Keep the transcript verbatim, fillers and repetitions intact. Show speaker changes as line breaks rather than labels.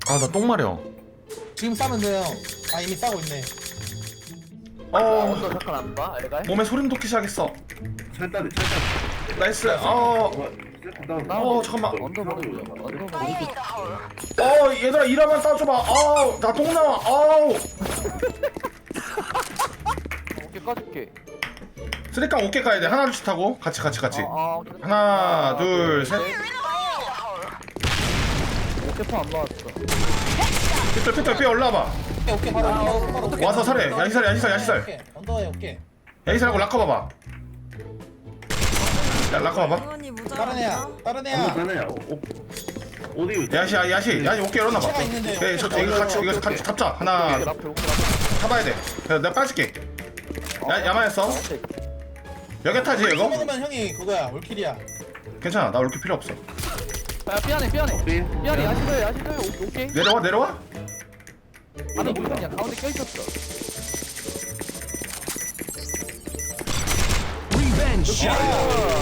아 나 똥 마려.
지금 싸면 돼요. 아 이미 싸고 있네.
어
언더 잠깐 안 봐? 알갈?
몸에 소름 돋기 시작했어.
찰다리 찰다리.
나이스. 어.
나
어 잠깐만.
언더 보는 거야. 언더 보는 거.
어 얘들아 이라만 따줘봐. 아우 나 똥 나와. 아우.
오케이 까줄게.
쓰리깡 오케이 가야 돼. 하나 둘씩 타고 같이 같이 같이.
아, 아, 오케이.
하나
아,
둘 셋.
오케이 안 맞았어.
피털 피털 피 올라와봐.
오케이 오케이 바로 오케이, 바로 오케이.
와서 살해. 야시살 야시살 야시살.
오케이, 언더에 오케이.
야시살하고 락커 봐봐. 야 락커 봐봐.
이건이
다른 애야.
무자라.
다른
아무
애야.
다네야. 어디?
야시 야시 야시 오케이 열어놔봐.
시간 있는데,
네, 저
오케이.
이거 같이 이거 같이 잡자. 하나
오케이 라플 오케이 라플.
타봐야 돼. 야, 내가 빠질게. 야 야마했어. 여기 타지 이거?
먹으면 형이 그거야 올킬이야.
괜찮아 나 올킬 필요 없어.
야 삐안해 삐안해.
삐.
삐안해 야시도해 야시도해 오케이.
내려와 내려와.
안에 뭐 있냐 가운데 껴있었어.
Revenge shot.